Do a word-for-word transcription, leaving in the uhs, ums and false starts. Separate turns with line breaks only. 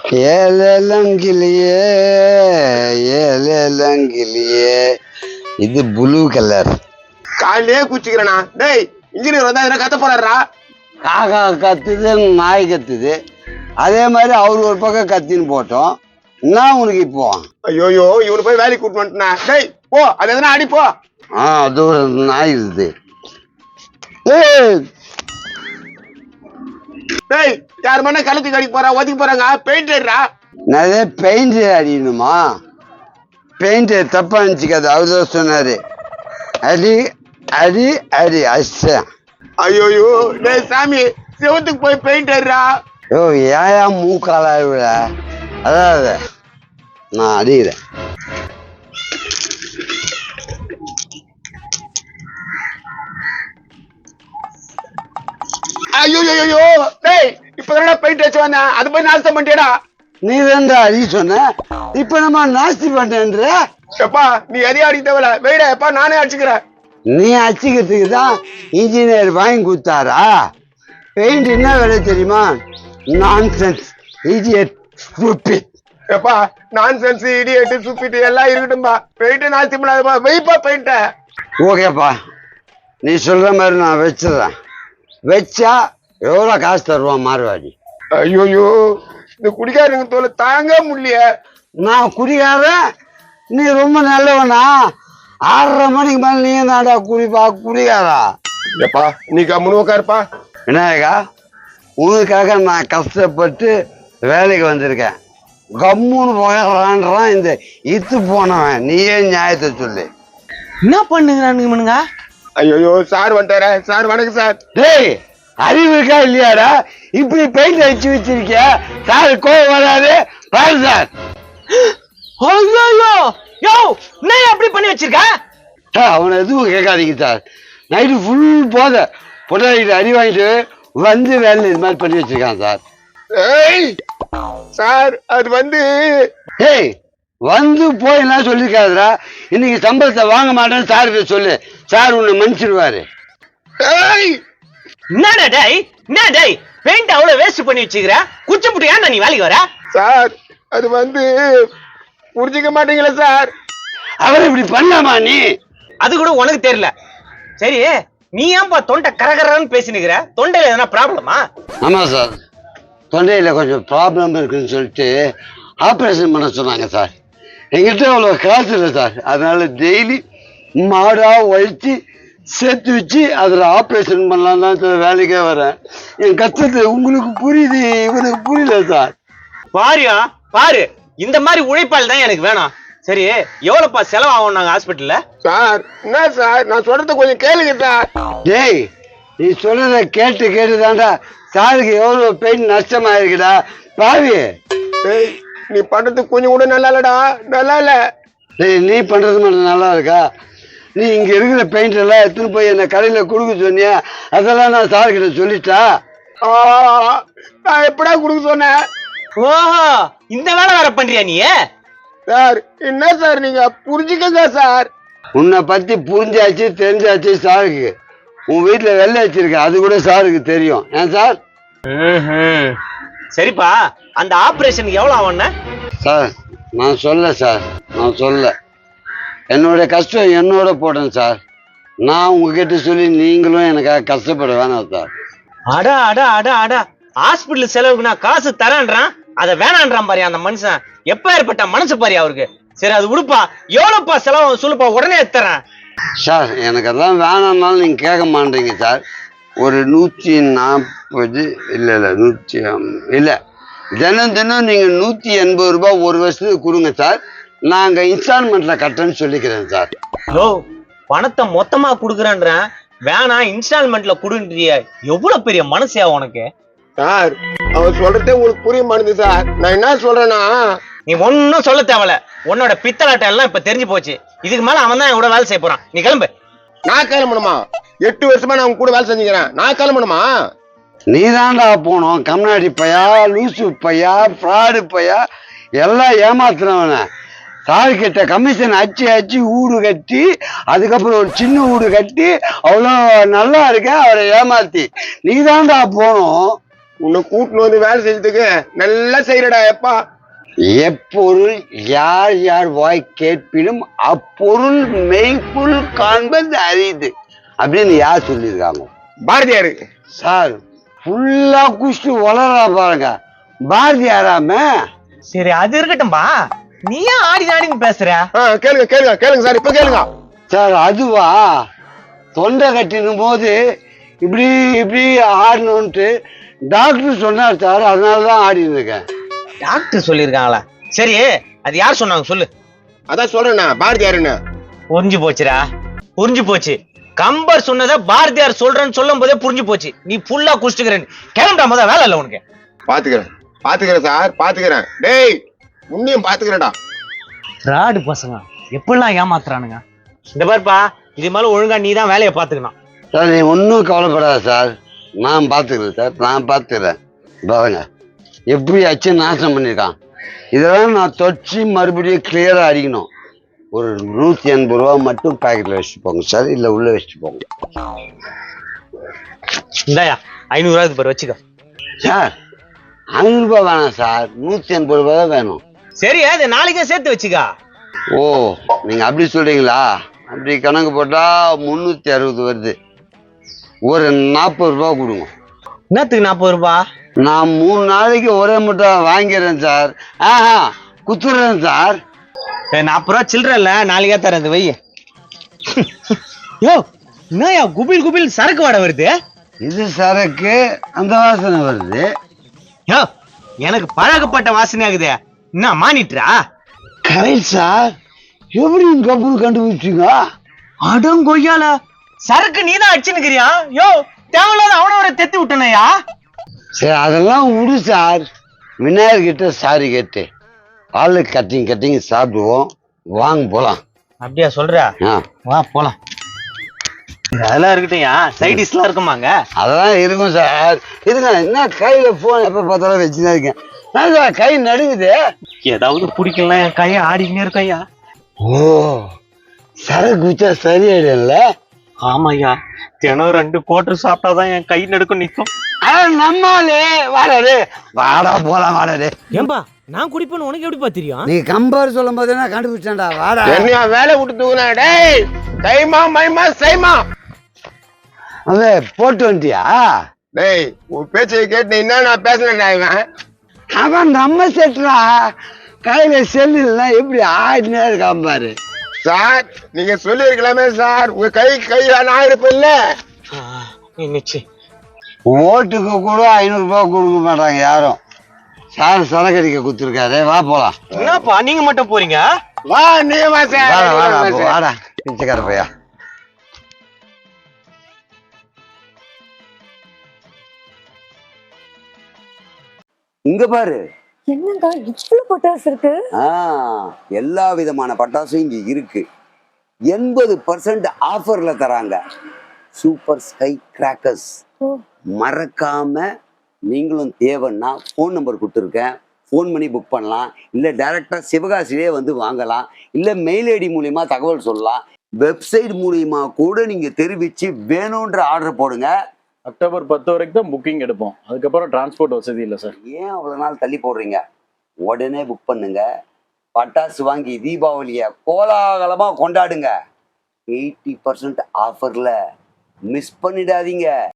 ஏலங்கிலியே ஏலங்கிலியே இது blue colour.
காலையே குச்சிக்கிறேண்ணா. டேய் இன்ஜினியர் வந்தா எதனா கத்த போறாரா?
காக்கா கத்துது, நாய் கத்துது, அதே மாதிரி அவர் ஒரு பக்கம் கத்தின்னு போட்டோம். என்ன உனக்கு இப்போ?
ஐயோயோ இவனு போய் வேலைக்கு கூட்டு வந்துட்டா. டேய் போ, அது எதனா அடி போ.
ஆ அது ஒரு நாய் இருக்குது.
டேய் யார் மண்ணா கலத்தி கடிக்க போறா, ஒதுக்கி போறாங்க. பெயிண்ட் அடிடா.
நிறைய பெயிண்ட் அடிக்கணுமா? பெயிண்ட் தப்பா நினச்சிக்காது, அவர் சொன்னாரு. அடி அடி அடி அஷ்ட.
ஐயோயோ டேய் சாமி, சிவத்துக்கு போய் பெயிண்ட் அடிடா.
யோ ஏயா மூக்கால விட, அதாவது நான் அடிக்கிறேன்.
ஐயோ ஐயோ டேய் இப்ப பெயிண்ட் அடிச்சு வந்தேன், அது போய் நாசம் பண்ணிட்டேடா.
நீ ரெண்டா அடி சொன்ன, இப்ப நம்ம நாஸ்தி பண்ற.
எப்பா நீ எதையும் அடிக்க தேவையில்ல, வெயிடா எப்பா நானே அடிச்சுக்கிறேன்.
நீ அடிச்சுக்கிறதுக்கு தான் இன்ஜினியர் வாங்கி கொடுத்தாரா? பெயிண்ட் என்ன வேலை தெரியுமா? Nonsense, idiot, stupid.
எப்பா நான்சென்ஸ், இடியட், ஸ்டூபிட் எல்லாம் இருக்கட்டும்பா. பெயிண்ட் நாஸ்தி பண்ணாதப்பா, வெயிப்பா பெயிண்ட.
ஓகேப்பா, நீ சொல்ற மாதிரி நான் வச்சிடறேன். வச்சா எவ்வளோ காசு தருவான் மார்வாடி?
ஐயோயோ இந்த குடிக்காரங்க தோலை தாங்க முடியல.
நான் குடிக்காரன், நீ ரொம்ப நல்லவனா? ஆறரை மணிக்கு மேல நீ நாடா குடிப்பா குடிக்காரா?
எப்பா நீ கம்முன்னு உட்காருப்பா.
விநாயகா, உனக்காக நான் கஷ்டப்பட்டு வேலைக்கு வந்திருக்கேன். கம்முன்னு போகிறான்றான் இந்த இத்து போனவன். நீயே நியாயத்தை சொல்லு.
என்ன பண்ணுங்க?
ஐயோ சார் வந்துட்டாரா? சார் வணக்கம் சார்.
டேய் அறிவு இருக்கா இல்லையாடா? இப்படி பெயிண்ட் அடிச்சு வச்சிருக்கிய, சார் கோவம் வராது பாரு சார்.
ஐயோ யோ என்ன அப்படி பண்ணி வச்சிருக்க?
அவனை எதுவும் கேட்காதீங்க சார். நைட்டு ஃபுல் போத பொட்டாடிட்டு அடி வாங்கிட்டு வந்து வேலை இது மாதிரி பண்ணி வச்சிருக்கான் சார்.
ஏய் சார் அது வந்து
ஏய் வந்து போயெல்லாம் சொல்லிருக்காதுடா. இன்னைக்கு சம்பளத்தை வாங்க மாட்டேன்னு சார்கிட்ட சொல்லு, சார் உன்னை மன்னிச்சிடுவாரு.
ஏய்
என்னடா டேய், என்ன டேய் பெயிண்ட் அவ்வளவு வேஸ்ட் பண்ணி வச்சிருக்க? குச்சி புட்டு ஏன்டா நீ வேலைக்கு வர?
சார் அது வந்து புரிஞ்சுக்க மாட்டீங்களா சார்?
அவர் இப்படி பண்ணாமா நீ?
அது கூட உனக்கு தெரியல. சரி நீ ஏன்பா தொண்டை கரகரன்னு பேசினுக்கிற? தொண்டையில எதனா ப்ராப்ளமா?
ஆமா சார், தொண்டையில கொஞ்சம் ப்ராப்ளம் இருக்குன்னு சொல்லிட்டு ஆப்ரேஷன் பண்ண சொன்னாங்க சார். எங்கிட்ட அவ்வளோ காசு இல்லை சார், அதனால டெய்லி மாடா உழைச்சி சேர்த்து வச்சு அதில் ஆப்ரேஷன் பண்ணலாம் தான் சார் வேலைக்கே வரேன். என் கஷ்டத்தை உங்களுக்கு புரியுது, இவனுக்கு புரியல சார்.
பாரியா பாரு, இந்த மாதிரி உழைப்பால் தான் எனக்கு வேணாம். சரி எவ்வளவுப்பா செலவாகும் நாங்க ஹாஸ்பிட்டல்ல?
சார் என்ன சார் நான் சொல்றத கொஞ்சம் கேளுங்க சார்.
டேய் நீ சொல்றத கேட்டு கேட்டு தாண்டா சாருக்கு எவ்வளோ பெயின் நஷ்டமாயிருக்குடா பாவி.
டேய் நீ பண்றது கொஞ்சம் கூட நல்லா இல்லடா, நல்லா இல்ல.
டேய் நீ பண்றது மட்டும் நல்லா இருக்கா? நீ இங்க இருக்கிற பெயிண்ட் எல்லாம் எடுத்துன்னு போய் என்ன கடையில கொடுக்க சொன்னியா? அதெல்லாம் நான் சார்கிட்ட சொல்லிட்டா.
நான் எப்படா கொடுக்க சொன்னேன்?
ஓஹோ இந்த வேலை வேற பண்றியா நீ?
சார் என்ன சார் நீங்க புரிஞ்சுக்கங்க சார்.
உன்னை பத்தி புரிஞ்சாச்சு தெரிஞ்சாச்சு சாருக்கு. உன் வீட்டுல வெள்ளை வச்சிருக்க, அது கூட சாருக்கு தெரியும். ஏன் சார்?
சரிப்பா, அந்த ஆபரேஷனுக்கு எவ்வளவு ஆகும்னா?
சார் நான் சொல்ல சார், நான் சொல்ல என்னோட கஷ்டம் என்னோட போட்டேன் சார். நான் உங்ககிட்ட சொல்லி நீங்களும் எனக்காக கஷ்டப்பட வேணாம் சார்.
அடா அடா அடா அடா ஹாஸ்பிட்டல் செலவுக்கு நான் காசு தரேன்றான், அதை வேணான்றான் பாரு அந்த மனுஷன். எப்ப ஏற்பட்ட மனசு பாரு அவருக்கு. சரி அது விடுப்பா, எவ்வளவுப்பா செலவு சொல்லுப்பா, உடனே எடுத்துறேன்.
சார் எனக்கு அதெல்லாம் வேணாம்னாலும் நீங்க கேட்க மாட்டீங்க சார். ஒரு நூற்றி நாற்பது இல்லை இல்லை நூற்றி இல்லை தினம் தினம் நீங்கள் நூற்றி எண்பது ரூபாய் ஒரு வருஷத்துக்கு கொடுங்க சார். நாங்கள் இன்ஸ்டால்மெண்ட்டில் கட்டுறேன்னு சொல்லிக்கிறேன் சார்.
ஹலோ பணத்தை மொத்தமா கொடுக்குறேன்றேன், வேணாம் இன்ஸ்டால்மெண்ட்ல கொடுன்றிய. எவ்வளவு பெரிய மனசியா உனக்கு?
சார் அவன் சொல்றதே உங்களுக்கு புரிய மாட்டேங்குது சார். நான் என்ன சொல்றேன்னா,
நீ ஒன்னும் சொல்ல தேவல. உன்னோட பித்தலாட்டம் எல்லாம் இப்ப தெரிஞ்சு போச்சு. இதுக்கு மேல அவன் தான் கூட வேலை செய்ய போறான். நீ கிளம்பு.
நான் கிளம்பணுமா? எட்டு வருஷமா நான் கூட வேலை செஞ்சுக்கிறேன், நான் கிளம்பணுமா?
நீ தாண்டா போனோம். கம்னாடி பையா, லூசு பையா, ஃப்ராடு பையா, எல்லாம் ஏமாத்துறவன. சார்கிட்ட கமிஷன் அச்சு அச்சு ஊடு கட்டி, அதுக்கப்புறம் ஒரு சின்ன ஊடு கட்டி அவ்வளோ நல்லா இருக்க அவரை ஏமாத்தி நீ தாண்டா போனோம்.
உன்னை கூட்டின்னு வந்து வேலை செஞ்சதுக்கு நல்லா செய்யறடா எப்பா.
எப்பொருள் யார் யார் வாய் கேட்பினும் அப்பொருள் மெய்ப்பொருள் காண்பது அரிது அப்படின்னு யார் சொல்லியிருக்காங்க?
பாரதியாரு.
சார் ஃபுல்லா குஷ்டு வளரா பாருங்க, பாரதியாராம.
சரி அது இருக்கட்டும்பா, நீ ஏன் ஆடி ஆடின்னு பேசுற?
ஆ, கேளுங்க கேளுங்க கேளுங்க சார், இப்ப கேளுங்க
சார். அதுவா, தொண்டை கட்டினும் போது இப்படி இப்படி ஆடணும்ட்டு டாக்டர் சொன்னார் சார், அதனாலதான் ஆடின்னு இருக்கேன்.
டாக்டர் சொல்லிருக்காங்களா? சரி அது யார் சொன்னாங்க சொல்லு.
அதான் சொல்றேண்ணா, பாரதியாருன்னு.
புரிஞ்சு போச்சுடா, புரிஞ்சு போச்சு. கம்பர் சொன்னத பாரதியார் சொல்றேன்னு சொல்லும் போதே புரிஞ்சு போச்சு. நீ ஃபுல்லா குடிச்சுக்கிறேன், கிளம்புடா, முத வேலை இல்ல உனக்கு.
பாத்துக்கிறேன் பாத்துக்கிறேன் சார், பாத்துக்கிறேன். டேய் உன்னையும் பாத்துக்கிறேன்டா.
ராடு பசங்க எப்படிலாம் ஏமாத்துறானுங்க. இந்த பாருப்பா, இது மேல ஒழுங்கா நீ தான் வேலையை பாத்துக்கணும்.
சார் நீ ஒன்றும் கவலைப்படாத சார், நான் பார்த்துக்கிறேன் சார், நான் பார்த்துக்கிறேன். பாருங்க எப்படி அச்சு நாசம் பண்ணியிருக்கான். இதெல்லாம் நான் தொச்சு மறுபடியும் கிளியராக அடிக்கணும். ஒரு நூற்றி எண்பது ரூபா மட்டும் பேக்கெட்டில் வச்சுட்டு போங்க சார், இல்லை உள்ளே வச்சுட்டு போங்க.
இந்தாயா ஐநூறு ரூபாய்க்கு பேர் வச்சுக்க.
சார் ஐநூறுரூபா வேணாம் சார், நூற்றி எண்பது ரூபா தான் வேணும்.
சரி அது நாளைக்கே சேர்த்து வச்சுக்கா.
ஓ நீங்கள் அப்படி சொல்கிறீங்களா? அப்படி கணக்கு போட்டால் முந்நூற்றி அறுபது வருது. ஒரு நாற்பது ரூபா கொடுங்க.
என்னத்துக்கு நாற்பது ரூபா?
நான் மூணு நாளைக்கு ஒரே மட்டும் வாங்கிடுறேன் சார். ஆஹா குத்துறேன் சார்.
நாற்பது ரூபா சில்லற இல்ல, நாளைக்கே தரேன். இந்த வை. யோ என்னயா குபில் குபில் சரக்கு வாடை வருது?
இது சரக்கு, அந்த வாசனை வருது.
யோ எனக்கு பழக்கப்பட்ட வாசனை ஆகுது. என்ன மானிட்டரா?
Correct sir. எப்படி இந்த கப்பல் கண்டுபிடிச்சிங்க?
அடங்கொய்யால சரக்கு நீதான் அடிச்சுன்னுக்கிறியா? யோ தேவையில்லாத அவன ஒரு தெத்தி விட்டனையா?
சரி அதெல்லாம் விடு சார், விநாயகர் கிட்ட சாரி கேட்டு பால் கட்டிங் கட்டிங் சாப்பிடுவோம், வாங்க போலாம்.
அப்படியா சொல்ற?
ஆ
வா போலாம். அதெல்லாம் இருக்கட்டும், சைடிஷ்லாம் இருக்குமாங்க?
அதெல்லாம் இருக்கும் சார். இதுங்க என்ன கையில போன் எப்ப பார்த்தாலும் வச்சுதான் இருக்கேன். நான் சார் கை நடுங்குது.
ஏதாவது பிடிக்கலாம், என் கையை ஆடிக்கினே இருக்கையா.
ஓ சரக்கு குச்சா சரியாயிடும்ல?
ஆமாய்யா, தினம் ரெண்டு கோட்டர் சாப்பிட்டாதான் என் கை நடுக்கும் நிக்கும்.
நம்மாலே வாடாரு, வாடா போலாம் வாடாரு.
ஏம்பா நான் குடிப்பேன்னு உனக்கு எப்படி தெரியும்?
நீ கம்பேர் சொல்லும் போது என்ன கண்டுபிடிச்சேன்டா, வாடா.
என்னையா வேலை விட்டு தூக்குனா? டேய் தைமா மைமா சைமா.
அதே போட்டு வந்துட்டியா?
டேய் உன் பேச்சை கேட்டு என்ன நான் பேசுறேன் இவன்.
அவன் நம்ம செட்டுறா, கையில செல்லு இல்லைன்னா எப்படி ஆடினே இருக்கான் பாரு.
சார் நீங்க சொல்லி இருக்கலாமே சார், உங்க கை கையில நான் இருப்பேன்ல.
ஓட்டுக்கு கூட ஐநூறு ரூபாய் கொடுக்க மாட்டாங்க யாரும். சார் சரக்கடிக்க குத்துருக்காரு, வா போலாம்.
என்னப்பா நீங்க மட்டும் போறீங்க?
வா நீ வா சார்.
வாடா வாடா அப்போ, வாடா பிச்சைக்கார பையா.
இங்க பாரு,
என்னங்க இவ்வளவு பட்டாசு இருக்கு?
ஆ, எல்லா விதமான பட்டாசும் இங்க இருக்கு. எண்பது பர்சன்ட் ஆஃபர்ல தராங்க. Super sky crackers.
ஓ,
மறக்காம நீங்களும் தேவைன்னா ஃபோன் நம்பர் கொடுத்துருக்கேன், ஃபோன் பண்ணி புக் பண்ணலாம். இல்லை டைரக்டா சிவகாசிலே வந்து வாங்கலாம். இல்லை மெயில் ஐடி மூலியமா தகவல் சொல்லலாம். வெப்சைட் மூலியமா கூட நீங்க தெரிவிச்சு வேணுன்ற ஆர்டர் போடுங்க.
அக்டோபர் பத்து வரைக்கும் தான் புக்கிங் எடுப்போம், அதுக்கப்புறம் டிரான்ஸ்போர்ட் வசதி இல்லை சார்.
ஏன் அவ்வளோ நாள் தள்ளி போடுறீங்க? உடனே புக் பண்ணுங்க. பட்டாசு வாங்கி தீபாவளியை கோலாகலமாக கொண்டாடுங்க. எயிட்டி பர்சன்ட் ஆஃபரில் மிஸ் பண்ணிடாதீங்க.